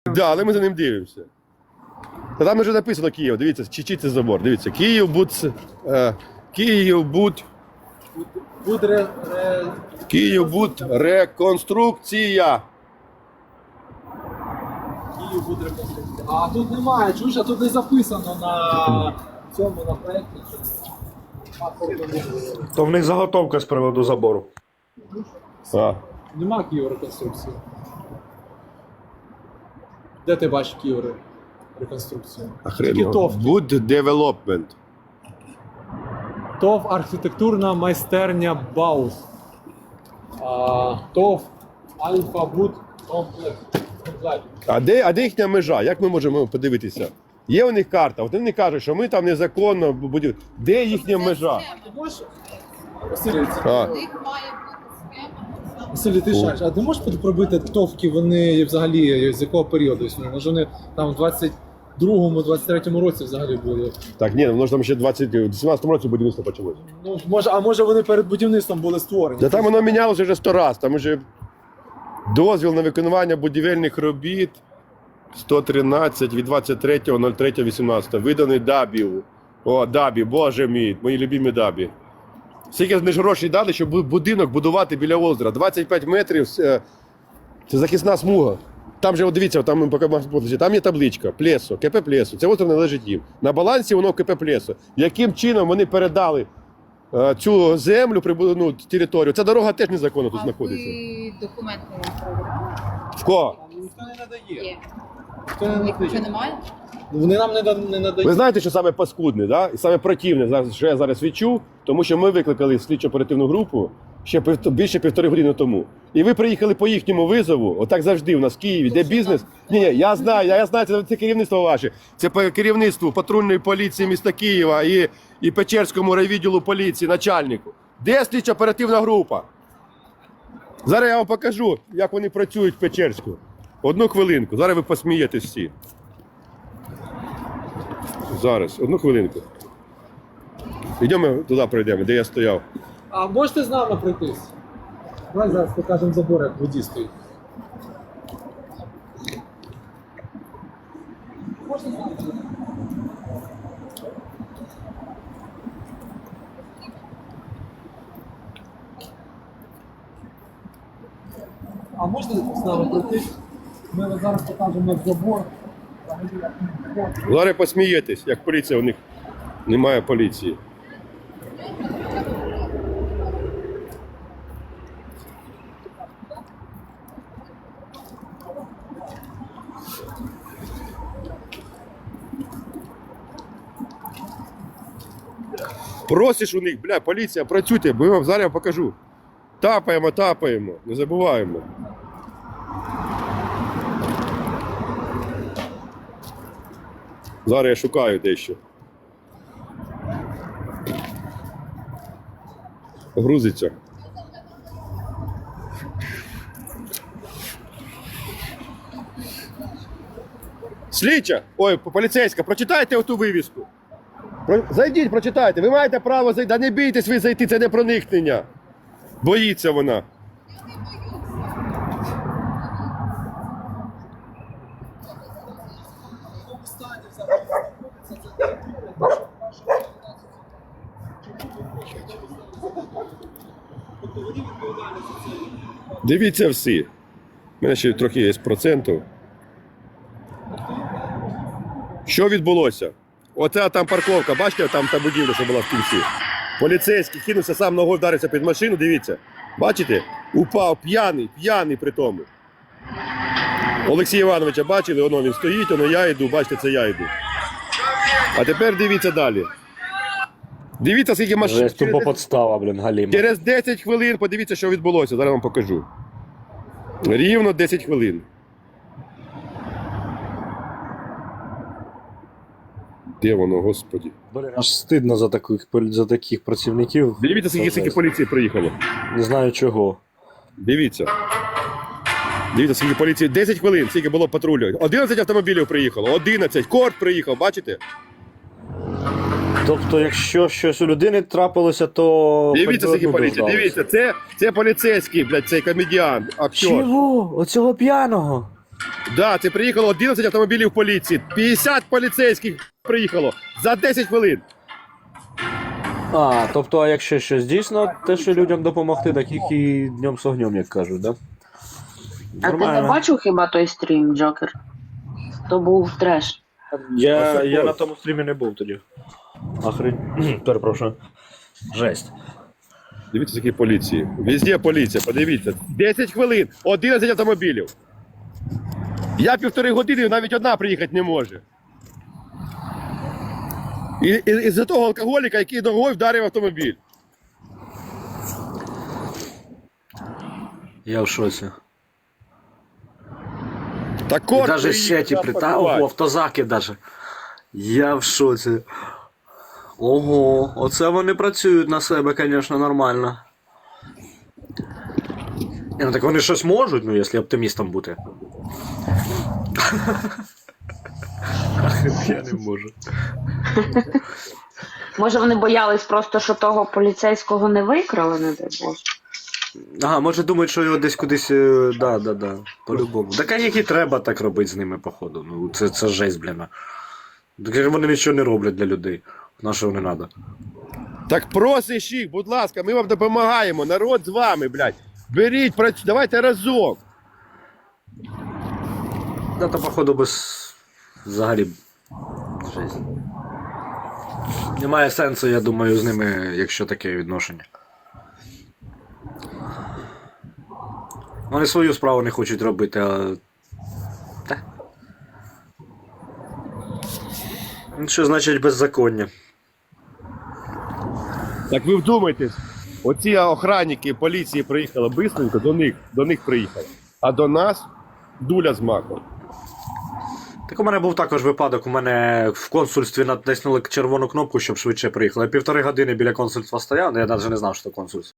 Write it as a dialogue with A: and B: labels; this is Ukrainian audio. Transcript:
A: Да, але ми за ним дивимося. Та там вже написано Київ, дивіться, чи це забор, дивіться. Київбуд реконструкція.
B: Київбуд-реконструкція. А тут немає, чуєш, а тут не записано на цьому, на проєкті.
C: То в них заготовка з приводу забору.
A: А.
B: Нема Київ-реконструкції. Де ти бачиш Київ-реконструкцію? Тільки ТОВ.
A: Буд Development.
B: ТОВ архітектурна майстерня Баус. ТОВ Альфа-Буд комплекс.
A: А де їхня межа? Як ми можемо подивитися? Є у них карта, от вони кажуть, що ми там незаконно будемо. Де їхня межа?
B: Ти можеш? Василь,
A: А.
B: Василь, ти шариш, а ти можеш пробити ТОВки, вони взагалі з якого періоду існують? Може вони там в 22-му, 23-му році взагалі були?
A: Так, ні, воно ж там ще в 18-му році будівництво почалося.
B: Ну, може вони перед будівництвом були створені?
A: Та там воно мінялося вже 100 разів, там вже дозвіл на виконання будівельних робіт 113 від 23.03.18, виданий Дабів. О, Дабі, боже мій, мої любимі Дабі. Скільки вони ж грошей дали, щоб будинок будувати біля озера. 25 метрів, це захисна смуга. Там же, от дивіться, там, там є табличка, Плесо, КП Плесо, це озеро належить їм. На балансі воно КП Плесо. Яким чином вони передали цю землю, територію? Ця дорога теж незаконно тут знаходиться.
D: Ви документи провели?
A: В кого?
B: Ніхто не надає.
D: Є.
B: Ніхто не
D: Їх
B: надає.
D: немає?
B: Вони нам не надають.
A: Ви знаєте, що саме паскудне, да? І саме противне, що я зараз відчув, тому що ми викликали слідчо-оперативну групу ще більше 1,5 години тому. І ви приїхали по їхньому визову, отак завжди у нас в Києві, де бізнес. Ні, я знаю, це керівництво ваше. Це по керівництву патрульної поліції міста Києва і Печерському райвідділу поліції, начальнику. Де слідчо-оперативна група? Зараз я вам покажу, як вони працюють в Печерську. Одну хвилинку, зараз ви посмієтесь всі. Зараз, одну хвилинку. Йдемо туди пройдемо, де я стояв.
B: А можете з нами пройтись? Давай зараз покажемо забор, як воді стоїть. Можете з нами пройтись? А можна з нами пройтись? Ми зараз покажемо як забор.
A: Зараз посмієтесь, як поліція, у них немає поліції. Просиш у них, бля, поліція, працюйте, бо я вам зараз покажу. Тапаємо, не забуваємо. Зараз я шукаю дещо. Грузиться. Слідча! Ой, поліцейська, прочитайте оту вивіску. Зайдіть, прочитайте. Ви маєте право зайти. Да не бійтесь ви зайти, це не проникнення. Боїться вона. Дивіться всі. У мене ще трохи є процентів. Що відбулося? Оця там парковка, бачите, там та будівля, що була в кінці. Поліцейський кинувся, сам ногою вдарився під машину, дивіться. Бачите? Упав, п'яний при тому. Олексія Івановича бачили, воно він стоїть, воно я йду, бачите, це я йду. А тепер дивіться далі. Дивіться, скільки машин.
C: Тупо подстава, блін, галіма.
A: Через 10 хвилин подивіться, що відбулося. Зараз вам покажу. Рівно 10 хвилин. Де воно, господі?
C: Блін, аж стидно за таких працівників.
A: Дивіться, скільки поліції приїхало.
C: Не знаю чого.
A: Дивіться. Дивіться, скільки поліції. 10 хвилин, скільки було патрулю. 11 автомобілів приїхало. 11. Корт приїхав, бачите?
C: Тобто, якщо щось у людини трапилося, то...
A: Дивіться, скільки поліції. Дивіться, це поліцейський, блядь, цей комедіан, актер.
C: Чого? Оцього п'яного?
A: Да, це приїхало 11 автомобілів поліції. 50 поліцейських приїхало за 10 хвилин.
C: А, тобто, а якщо щось дійсно, те, що людям допомогти, так їх і днем з огнем, як кажуть, да?
E: А ти не бачив хіба той стрім, Джокер? То був треш.
C: Я на тому стрімі не був тоді. Перепрошую. Жесть.
A: Дивіться, які поліції. Везде поліція, подивіться. 10 хвилин, 11 автомобілів. Я 1,5 години, навіть одна приїхати не може. І за того алкоголіка, який ногою вдарив автомобіль.
C: Я в шоці.
A: Так
C: І
A: от
C: даже ще ті ого, автозаки даже. Я в шоці. Ого, оце вони працюють на себе, звісно, нормально. Ну так вони щось можуть, ну, якщо оптимістом бути. Я не можу.
E: Може вони боялись просто, що того поліцейського не викрали, не дай Боже.
C: Ага, може думають, що його десь кудись. Да, по-любому. Так а які треба так робити з ними, походу. Ну, це жесть, блін. Так вони нічого не роблять для людей. На що не треба?
A: Так просиш їх, будь ласка, ми вам допомагаємо. Народ з вами, блядь. Беріть, давайте разом.
C: Да, то походу без. Взагалі. Жесть. Немає сенсу, я думаю, з ними, якщо таке відношення. Вони свою справу не хочуть робити, а. Та. Що значить беззаконня?
A: Так ви вдумайтесь, оці охранники поліції приїхали бистренько, до них приїхали. А до нас дуля з маком.
C: Так у мене був також випадок, у мене в консульстві натиснули червону кнопку, щоб швидше приїхали. Я 1,5 години біля консульства стояв, я навіть не знав, що це консульство.